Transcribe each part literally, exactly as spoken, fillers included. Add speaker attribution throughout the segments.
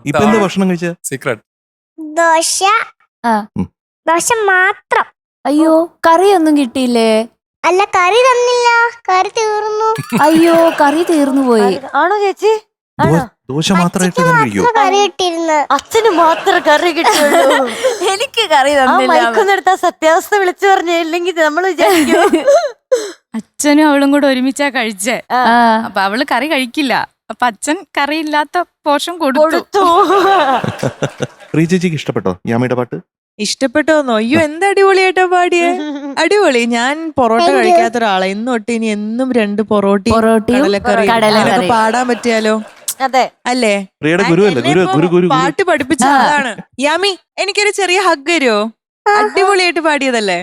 Speaker 1: ഇപ്പൊ എന്താ ഭക്ഷണം കഴിച്ച?
Speaker 2: സീക്രട്ട്
Speaker 3: ദോശ. ദോശ മാത്രം.
Speaker 4: അയ്യോ കറിയൊന്നും കിട്ടിയില്ലേ?
Speaker 3: അല്ല, കറി തന്നില്ല, കറി തീർന്നു.
Speaker 4: അയ്യോ കറി തീർന്നു പോയി.
Speaker 5: ആണോ ചേച്ചി?
Speaker 1: ദോശ മാത്രമായിട്ട് കഴിക്കോ?
Speaker 3: കറി കിട്ടിയിരുന്നു.
Speaker 5: അച്ഛന് മാത്രം കറി കിട്ടുള്ളൂ.
Speaker 4: എനിക്ക് കറി തന്നില്ല.
Speaker 5: സത്യാവസ്ഥ വിളിച്ചു പറഞ്ഞില്ലെങ്കിൽ നമ്മൾ വിചാരിക്കും
Speaker 6: അച്ഛനും അവളും കൂടെ ഒരുമിച്ചാ കഴിച്ചേ. അപ്പൊ അവള് കറി കഴിക്കില്ല. അപ്പൊ അച്ഛൻ കറി ഇല്ലാത്ത പോർഷൻ കൊടുത്തു.
Speaker 1: ചേച്ചിക്ക് ഇഷ്ടപ്പെട്ടോ യാമിയുടെ പാട്ട്?
Speaker 7: ഇഷ്ടപ്പെട്ടോന്നോ? അയ്യോ എന്ത് അടിപൊളിയായിട്ടാ പാടിയേ. അടിപൊളി. ഞാൻ പൊറോട്ട കഴിക്കാത്ത ഒരാളാ. ഇന്ന് തൊട്ട് ഇനി എന്നും രണ്ട് പൊറോട്ടയും കടലക്കറി പാടാൻ പറ്റിയാലോ?
Speaker 5: അതെ
Speaker 7: അല്ലേ?
Speaker 1: പാട്ട്
Speaker 7: പഠിപ്പിച്ച ആളാണ് യാമി. എനിക്കൊരു ചെറിയ ഹഗ് തരുമോ? അടിപൊളിയായിട്ട് പാടിയതല്ലേ?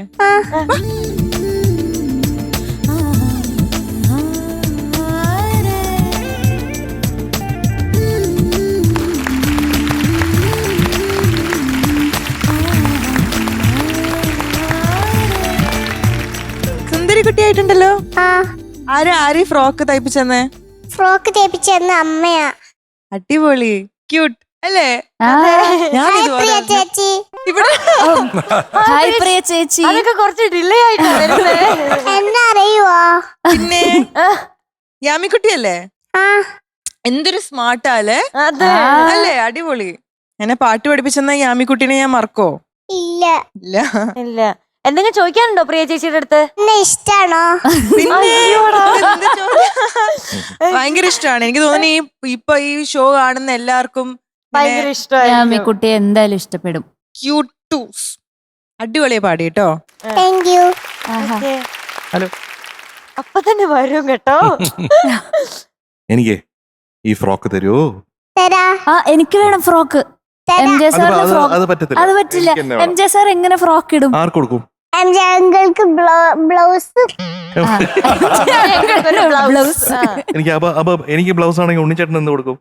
Speaker 7: കുട്ടിയായിട്ടുണ്ടല്ലോ. ആരാ ആര് ഫ്രോക്ക് തയ്പ്പിച്ചെന്നേ?
Speaker 3: ഫ്രോക്ക് തയ്പ്പിച്ചെന്ന അമ്മയാ.
Speaker 7: അടിപൊളി, ക്യൂട്ട് അല്ലേ?
Speaker 3: ചേച്ചി
Speaker 4: ചേച്ചി
Speaker 5: അതൊക്കെ കുറച്ച് ഡിലേ ആയിട്ടാ
Speaker 3: എന്നെ അറിയുവോ?
Speaker 7: പിന്നെ യാമിക്കുട്ടിയല്ലേ? എന്തൊരു സ്മാർട്ടാല്ലേ അല്ലേ? അടിപൊളി. എന്നെ പാട്ട് പഠിപ്പിച്ചെന്ന യാമിക്കുട്ടീനെ ഞാൻ മറക്കോ?
Speaker 3: ഇല്ല
Speaker 7: ഇല്ല
Speaker 5: ഇല്ല. എന്തെങ്കിലും ചോദിക്കാനുണ്ടോ പ്രിയ ചേച്ചിയുടെ അടുത്ത്?
Speaker 3: ഇഷ്ടാണോ?
Speaker 7: ഭയങ്കര ഇഷ്ടമാണ്. എനിക്ക് തോന്നുന്നു ഈ ഇപ്പൊ ഈ ഷോ കാണുന്ന എല്ലാവർക്കും
Speaker 5: ഭയങ്കര ഇഷ്ടമായി.
Speaker 4: കുട്ടിയെ എന്തായാലും ഇഷ്ടപ്പെടും.
Speaker 7: ക്യൂട്ടൂസ്. അടിപൊളിയെ പാടി കേട്ടോ.
Speaker 3: Thank you.
Speaker 1: ഹലോ.
Speaker 5: അപ്പൊ തന്നെ വരും കേട്ടോ.
Speaker 1: എനിക്ക് ഈ ഫ്രോക്ക് തരുമോ?
Speaker 3: തരാ.
Speaker 4: എനിക്ക് വേണം ഫ്രോക്ക്. എം ജെ സാറിന്റെ ഫ്രോക്ക് അത് പറ്റില്ല. എം ജെ സാർ എങ്ങനെ ഫ്രോക്ക് ഇടും?
Speaker 1: ആർക്ക് കൊടുക്കും?
Speaker 3: എം ജെ അങ്കിൾക്ക് ബ്ലൗസ്.
Speaker 1: എനിക്ക് എനിക്ക് ബ്ലൗസ് ആണെങ്കിൽ ഉണ്ണിച്ചേട്ടൻ എന്ത് കൊടുക്കും?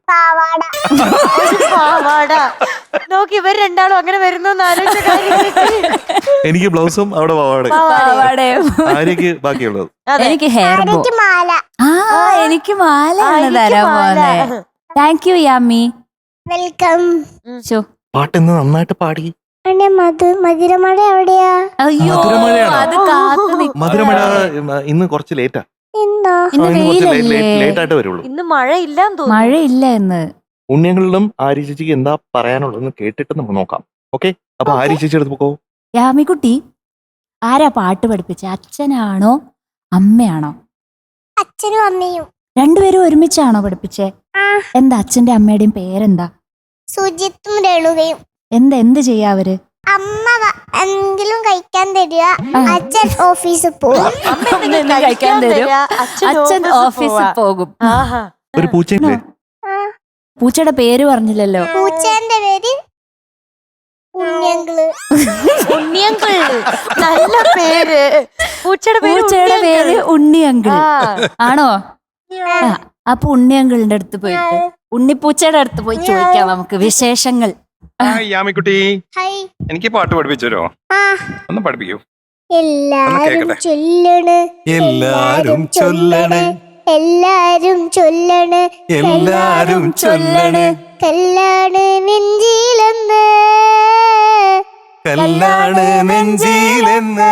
Speaker 5: നോക്കി ഇവർ രണ്ടാളും അങ്ങനെ വരുന്ന
Speaker 1: എനിക്ക് ബ്ലൗസും അവിടെ പാവാടയും. ആര്യക്ക് ബാക്കിയുള്ളത്
Speaker 4: എനിക്ക് ഹെയർ ബോ.
Speaker 3: മാല.
Speaker 4: ആ എനിക്ക് മാലയാണ് തരാൻ പോകുന്നത്. Thank you Yami.
Speaker 3: വെൽക്കം.
Speaker 1: പാട്ട് ഇന്ന് നന്നായിട്ട് പാടി.
Speaker 3: മധുരമഴ എവിടെയാ?
Speaker 4: അയ്യോ അത്
Speaker 1: മധുരമഴ ഇന്ന് കുറച്ച് ലേറ്റാ. ലേറ്റ് ആയിട്ട് വരുള്ളൂ.
Speaker 5: ഇന്ന് മഴയില്ല
Speaker 4: മഴയില്ല ഇന്ന്.
Speaker 1: ഉണ്ണിയങ്ങളിലും ആര്യ ചേച്ചിക്ക് എന്താ പറയാനുള്ളതെന്ന് കേട്ടിട്ട് നമുക്ക് നോക്കാം. ഓക്കെ, അപ്പൊ ആര്യ ചേച്ചി എടുത്ത് പോക്കോ.
Speaker 4: യാമിക്കുട്ടി ആരാ പാട്ട് പഠിപ്പിച്ച? അച്ഛനാണോ അമ്മയാണോ?
Speaker 3: അച്ഛനും അമ്മയും.
Speaker 4: രണ്ടുപേരും ഒരുമിച്ചാണോ പഠിപ്പിച്ചേ? എന്താ അച്ഛന്റെ അമ്മയുടെയും പേരെന്താ?
Speaker 3: സുജിത്തും രേണുകയും.
Speaker 4: എന്താ എന്ത് ചെയ്യാ അവര്?
Speaker 3: അമ്മ എന്തെങ്കിലും കഴിക്കാൻ തരിക, അച്ഛൻ ഓഫീസിൽ പോകും.
Speaker 4: കഴിക്കാൻ തരും, അച്ഛൻ ഓഫീസിൽ പോകും.
Speaker 1: ഒരു പൂച്ചയില്ലേ?
Speaker 4: പൂച്ചയുടെ പേര് പറഞ്ഞില്ലല്ലോ.
Speaker 3: പൂച്ചേന്റെ പേര് ഉണ്ണിയങ്കിള്.
Speaker 5: ഉണ്ണിയങ്കിൾ നല്ല പേര്.
Speaker 4: പൂച്ചയുടെ പേര് ഉണ്ണിയങ്കിൾ ആണോ? അപ്പൊ ഉണ്ണിയങ്കിളിന്റെ അടുത്ത് പോയിട്ട് ഉണ്ണിപ്പൂച്ചയുടെ അടുത്ത് പോയി ചോദിക്കാം നമുക്ക് വിശേഷങ്ങൾ.
Speaker 2: യാമിക്കുട്ടി, എനിക്ക് പാട്ട് പഠിപ്പിച്ചോ? ഒന്ന് പഠിപ്പിക്കൂ.
Speaker 3: എല്ലാരും ചൊല്ലണ്,
Speaker 2: എല്ലാരും ചൊല്ലണ്,
Speaker 3: എല്ലാരും ചൊല്ലണ്,
Speaker 2: എല്ലാരും ചൊല്ലണ്,
Speaker 3: കല്ലാണ് നെഞ്ചിലെന്ന്,
Speaker 2: കല്ലാണ് നെഞ്ചിലെന്ന്,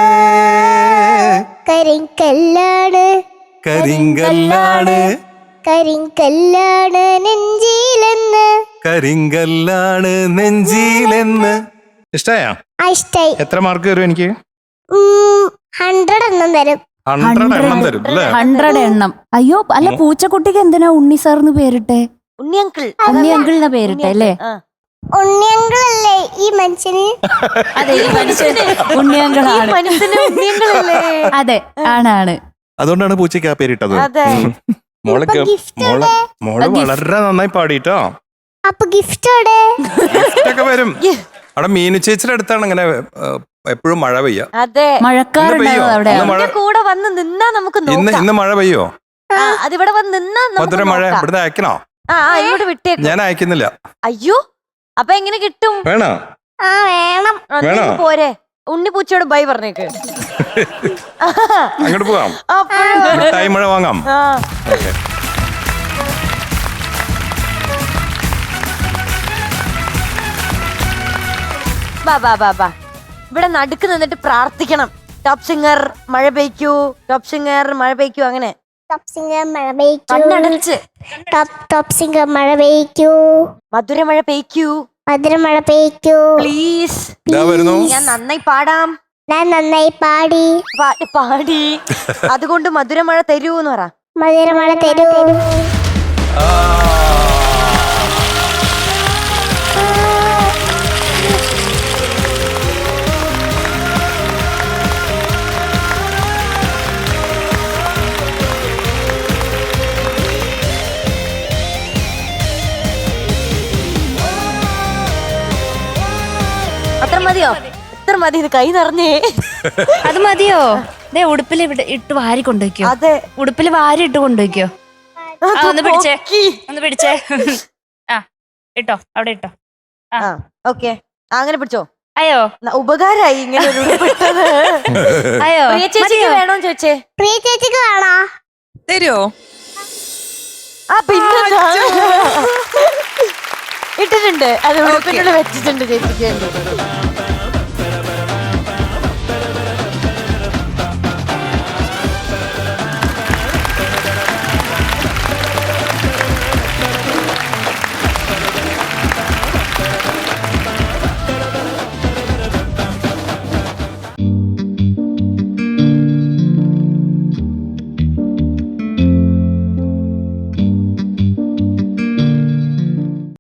Speaker 3: കരിങ്കല്ലാണ്
Speaker 2: കരിങ്കല്ലാണ്,
Speaker 3: കരിങ്കല്ലാണ് നെഞ്ചിലെന്ന്,
Speaker 2: കരിങ്കല്ലാണ് നെഞ്ചിലെന്ന്. ഇഷ്ടായോ?
Speaker 3: ഇഷ്ടായി.
Speaker 2: എത്ര മാർക്ക് തരും എനിക്ക്?
Speaker 3: ഹൺഡ്രഡ് എണ്ണം തരും.
Speaker 2: ഹൺഡ്രഡ് എണ്ണം തരും അല്ലേ?
Speaker 4: ഹൺഡ്രഡ് എണ്ണം. അയ്യോ അല്ല, പൂച്ചക്കുട്ടിക്ക് എന്തിനാ ഉണ്ണി സാറിന് പേരിട്ടെ?
Speaker 5: ഉണ്ണിയങ്കിൾ.
Speaker 4: ഉണ്ണിയങ്കിളിനെ പേരിട്ടെ അല്ലേ?
Speaker 3: ഉണ്ണിയങ്കിളല്ലേ ഈ മനുഷ്യന്?
Speaker 4: അതെ, ഈ മനുഷ്യന് ഉണ്ണിയങ്കിളാണ്. അതെ, ആണാണ്.
Speaker 1: അതുകൊണ്ടാണ് പൂച്ചയ്ക്ക് ആ പേരിട്ടത്.
Speaker 2: മോള് മോള് മോള് വളരെ നന്നായി പാടിട്ടോ.
Speaker 3: അപ്പൊ ഗിഫ്റ്റ്
Speaker 2: ഒക്കെ വരും. അവിടെ മീനു ചേച്ചിയുടെ അടുത്താണ് ഇങ്ങനെ എപ്പോഴും മഴ പെയ്യ.
Speaker 5: അതെ,
Speaker 4: മഴക്കാറുണ്ടാവും അവിടെ.
Speaker 5: കൂടെ വന്ന് നിന്നാ നമുക്ക്
Speaker 2: ഇന്ന് ഇന്ന് മഴ പെയ്യോ?
Speaker 5: അതിവിടെ വന്ന് നിന്നാ
Speaker 2: മധുര മഴ ഇവിടുന്ന് അയക്കണോ?
Speaker 5: ആ ഇങ്ങോട്ട് വിട്ടേക്ക്.
Speaker 2: ഞാൻ അയക്കുന്നില്ല.
Speaker 5: അയ്യോ, അപ്പൊ എങ്ങനെ കിട്ടും?
Speaker 2: വേണോ?
Speaker 3: വേണം.
Speaker 5: പോരെ, ഉണ്ണിപ്പൂച്ചയോട് ബൈ പറഞ്ഞേക്ക്.
Speaker 2: അങ്ങോട്ട് പോവാം, മിഠായി മഴ വാങ്ങാം.
Speaker 5: ബാ ബാ ബാ ബാ ഇവിടെ നടുക്ക് നിന്നിട്ട് പ്രാർത്ഥിക്കണം. ടോപ്പ് സിംഗർ മഴ പെയ്ക്കൂ, ടോപ്പ് സിംഗർ മഴ പെയ്ക്കൂ, അങ്ങനെ
Speaker 3: ടോപ്പ് സിംഗർ മഴ പെയ്ക്കൂ,
Speaker 5: കണ്ണടച്ച്
Speaker 3: ടോപ്പ് ടോപ്പ് സിംഗർ മഴ പെയ്ക്കൂ,
Speaker 5: മധുര മഴ പെയ്ക്കൂ,
Speaker 3: മധുര മഴ പെയ്ക്കൂ,
Speaker 5: പ്ലീസ്.
Speaker 2: ഇതാ വരുന്നു.
Speaker 5: ഞാൻ നന്നായി പാടാം,
Speaker 3: ഞാൻ നന്നായി പാടി,
Speaker 5: പാട്ട് പാടി, അതുകൊണ്ട് മധുര മഴ തരൂ എന്ന് പറ.
Speaker 3: മധുര മഴ തരൂ.
Speaker 2: ആ.
Speaker 5: അത്ര മതിയോ? എത്ര മതി? ഇത് കൈ നിറഞ്ഞേ.
Speaker 4: അത് മതിയോ? ദേ ഉടുപ്പിൽ ഇവിടെ ഇട്ട് വാരി കൊണ്ടുവയ്ക്കോ.
Speaker 5: അതെ,
Speaker 4: ഉടുപ്പിൽ വാരി ഇട്ട് കൊണ്ടുവയ്ക്കോ. ആ ഒന്ന് പിടിച്ചേ, ഒന്ന് പിടിച്ചേ. ആ ഇട്ടോ, അവിടെ ഇട്ടോ.
Speaker 5: ഓക്കെ, അങ്ങനെ പിടിച്ചോ.
Speaker 4: അയ്യോ
Speaker 5: ന- ഉപകാരായി ഇങ്ങനെ ഒരു ഉടുപ്പിട്ടത്.
Speaker 4: അയ്യോ
Speaker 5: പ്രിയ ചേച്ചിക്ക് വേണോന്ന് ചോദിച്ചേ.
Speaker 3: പ്രിയ ചേച്ചിക്ക് വേണോ?
Speaker 7: തരുമോ?
Speaker 5: ആ പിന്നെ ഇട്ടിട്ടുണ്ട്, അത് ഉടുപ്പിനുള്ളിൽ വെച്ചിട്ടുണ്ട് ചേച്ചിക്ക് വേണ്ടി.